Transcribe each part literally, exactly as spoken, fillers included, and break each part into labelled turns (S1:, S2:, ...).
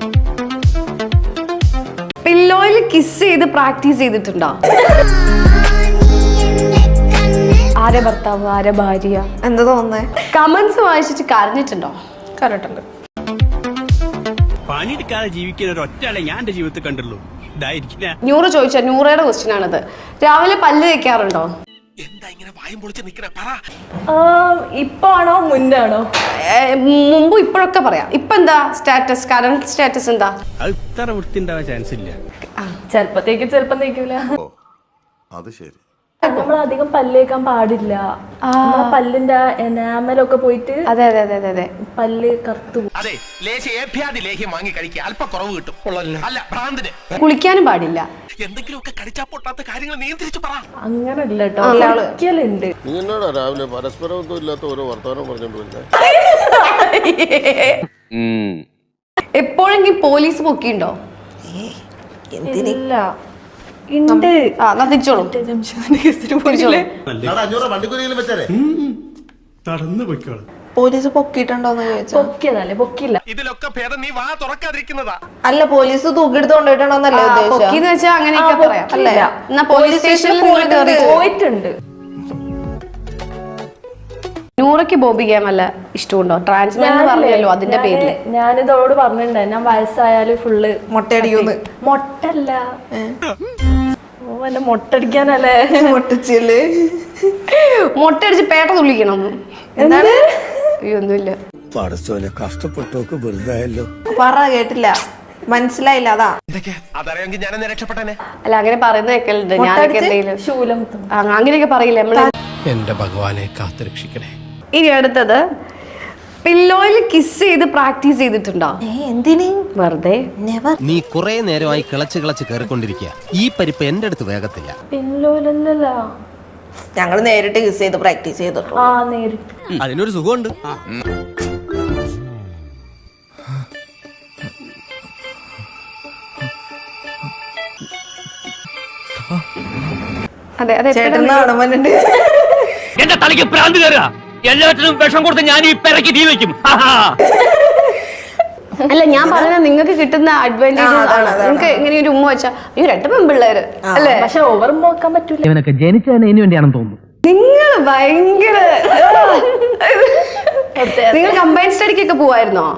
S1: പില്ലോയിൽ kiss ചെയ്ത് practice ചെയ്തിട്ടുണ്ടോ? ആരെ ഭർത്താവ് ആരെ ഭാര്യ
S2: എന്താ തോന്നുന്നേ?
S1: കമന്റ്സ് വായിച്ചിട്ട് കരഞ്ഞിട്ടുണ്ടോ?
S2: കരട്ടുണ്ട്.
S3: പണിയെടുക്കാതെ ജീവിക്കുന്ന ഒരു ഒറ്റയാളെ ഞാൻ എന്റെ ജീവിതത്തിൽ കണ്ടുള്ളൂ.
S1: നൂറ് ചോദിച്ച നൂറയുടെ ക്വസ്റ്റ്യൻ ആണത്. രാവിലെ പല്ല് തേക്കാറുണ്ടോ?
S2: ഇപ്പൊ ആണോ മുന്നാണോ?
S1: മുമ്പ് ഇപ്പോഴൊക്കെ പറയാം. ഇപ്പൊ എന്താ സ്റ്റാറ്റസ്, കറന്റ് സ്റ്റാറ്റസ് എന്താ?
S3: അത്ര വൃത്തി ഉണ്ടാവാൻ ചാൻസ് ഇല്ല.
S2: ചെലപ്പോ തേക്കും ചെലപ്പം തേക്കൂല.
S4: അത് ശരി.
S2: നമ്മൾ അധികം പല്ലേക്കാൻ പാടില്ല. പല്ലിന്റെ എനാമലൊക്കെ പോയിട്ട്
S1: അതെ അതെ അതെ അതെ
S2: പല്ല് കറുത്തു.
S1: കുളിക്കാനും പാടില്ല.
S2: അങ്ങനല്ല കേട്ടോ, കുളിക്കലുണ്ട്.
S4: നീ എന്നാടാ രാവിലെ പരസ്പരമൊന്നും ഇല്ലാത്ത ഓരോ വർത്തമാനം പറഞ്ഞോണ്ട്
S1: എപ്പോഴെങ്കിലും പോലീസ് പൊക്കിണ്ടോ?
S2: ഇല്ല. ഉണ്ട്.
S1: തിരിച്ചോളൂ.
S2: പോലീസ് പൊക്കിയിട്ടുണ്ടോന്ന് ചോദിച്ചാ പൊക്കിയതല്ലേ, പൊക്കില്ല.
S3: ഇതിലൊക്കെ ഭേദം നീ വാ തുറക്കാതിരിക്കുന്നതാ.
S2: അല്ല, പോലീസ് തൂക്കിയെടുത്ത് കൊണ്ടുപോയിട്ടുണ്ടോന്നല്ലേ
S1: പൊക്കിന്ന് വെച്ചാ അങ്ങനെയൊക്കെ പറയാം അല്ലേ? എന്നാ പോലീസ് സ്റ്റേഷനിൽ
S2: പോയിട്ടുണ്ട്.
S1: നൂറയ്ക്ക് ബോബി ഗെയിം അല്ല ഇഷ്ടമുണ്ടോ? ട്രാൻസ്ജെൻഡർ പറഞ്ഞല്ലോ, അതിന്റെ പേരില്
S2: ഞാനിതോട് പറഞ്ഞിട്ടുണ്ടായി, ഞാൻ വയസ്സായാല് ഫുള്ള്
S1: മൊട്ടയടിക്കുന്നു.
S2: മൊട്ടല്ല, ഓ എന്നെ മൊട്ടടിക്കാനല്ലേ.
S1: മൊട്ടച്ചില് മൊട്ടടിച്ച് പേട്ട തുള്ളിക്കണം. എന്താണ്? ഒന്നുമില്ല.
S5: കഷ്ടപ്പെട്ടോക്ക് വെറുതായല്ലോ.
S2: പറ കേട്ടില്ല, മനസ്സിലായില്ല. അതാ
S1: അല്ല, അങ്ങനെ പറയുന്ന കേൾക്കലുണ്ട്. ഞാനൊക്കെ എന്തെങ്കിലും
S2: ശൂലം
S1: അങ്ങനെയൊക്കെ പറയില്ല നമ്മള്.
S5: എന്റെ ഭഗവാനെ കാത്തുരക്ഷിക്കണേ.
S1: ഇനി അടുത്തത്, പില്ലോയിൽ കിസ് ചെയ്ത് പ്രാക്ടീസ് ചെയ്തിട്ടുണ്ടോ?
S2: എന്തിന്?
S1: വെറുതെ.
S6: നീ കുറെ നേരമായി കിളച്ച് കിളച്ച് കയറിക്കൊണ്ടിരിക്കുക. ഈ പരിപ്പ് എന്റെ അടുത്ത് വേഗത്തില്ല.
S2: പില്ലോയിലല്ല,
S1: ഞങ്ങൾ നേരിട്ട് കിസ് ചെയ്ത് പ്രാക്ടീസ് ചെയ്തിട്ടു.
S2: ആ നേരിട്ട്.
S6: അതിനൊരു സുഖമുണ്ട്.
S1: അതെ അതെ.
S7: എന്റെ തലയ്ക്ക് ഭ്രാന്ത് കയറുക. എല്ലാത്തിനും വിഷം കൊടുത്ത് ഞാൻ ഈ പെരക്ക് തീ വെക്കും.
S1: അല്ല, ഞാൻ പറയുന്നത് നിങ്ങൾക്ക് കിട്ടുന്ന അഡ്വാൻറ്റേജ് ആണ്. നിങ്ങൾക്ക് ഇങ്ങനെ ഒരു ഉമ്മ വെച്ചാ ഈ രണ്ട് പെൺപിള്ളേര് അല്ലേ?
S2: പക്ഷെ ഓവർ നോക്കാൻ പറ്റൂല.
S7: ഇവനൊക്കെ ജനിച്ചതിന് ഇനി വേണ്ടിയാണെന്ന് തോന്നുന്നു.
S1: നിങ്ങൾ ഭയങ്കര നിങ്ങൾ കമ്പൈൻ സ്റ്റഡിക്കൊക്കെ പോവായിരുന്നോ?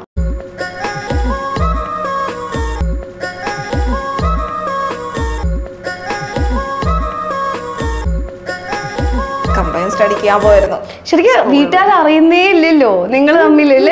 S2: കമ്പൈൻ സ്റ്റഡിക്ക് ഞാൻ പോയിരുന്നു.
S1: ശരിക്കും വീട്ടുകാർ അറിയുന്നേ ഇല്ലല്ലോ നിങ്ങൾ തമ്മിലല്ലേ?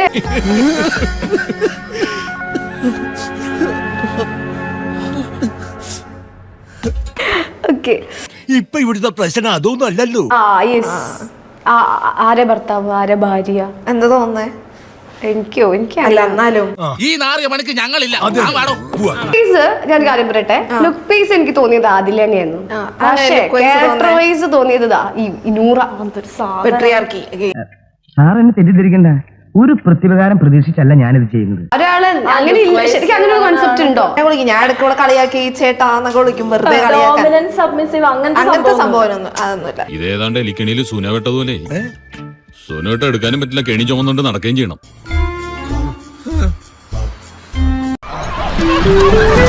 S1: ഓക്കെ,
S5: ഇപ്പൊ ഇവിടുത്തെ പ്രശ്നം അതൊന്നും അല്ലല്ലോ.
S1: ആ യെസ്. ആരെ ഭർത്താവ് ആരെ ഭാര്യ
S2: എന്താ തോന്നുന്നേ?
S1: എനിക്കോ എനിക്ക്
S2: അല്ല, എന്നാലും
S5: ഈ നാറിയ മണിക്ക് ഞങ്ങളില്ല.
S1: ഞാൻ കാര്യം പറയട്ടെ, ലുക്ക് പീസ് എനിക്ക് തോന്നിയത് അതിൽ തന്നെയായിരുന്നു. പക്ഷേ ക്യാരക്ടർ വൈസ് തോന്നിയത് ഈ നൂറ.
S2: പെട്രിയാർക്കി.
S7: സാറെന്നെ തെറ്റിദ്ധരിക്കണ്ട. ഒരു പ്രതിപകാരം പ്രതീക്ഷിച്ചല്ല ഞാനിത് ചെയ്യുന്നത്.
S1: ഒരാള് അങ്ങനെ ഇല്ല. ശരിക്കും അങ്ങനെ ഒരു കോൺസെപ്റ്റ് ഉണ്ടോ?
S2: ഞാൻ ഇടയ്ക്കൂടെ കളിയാക്കി ചേട്ടാന്നൊക്കെ വിളിക്കും, വെറുതെ കളിയാക്കാൻ. സബ്മിസീവ് അങ്ങനത്തെ സംഭവം അതൊന്നുമില്ല.
S8: ഇതേതാണ്ട് എലിക്കണിയിൽ സുനവെട്ടതുപോലെ സുനവെട്ട എടുക്കാനും പറ്റില്ല, കെണി ചുമന്നുകൊണ്ട് നടക്കുകയും ചെയ്യണം.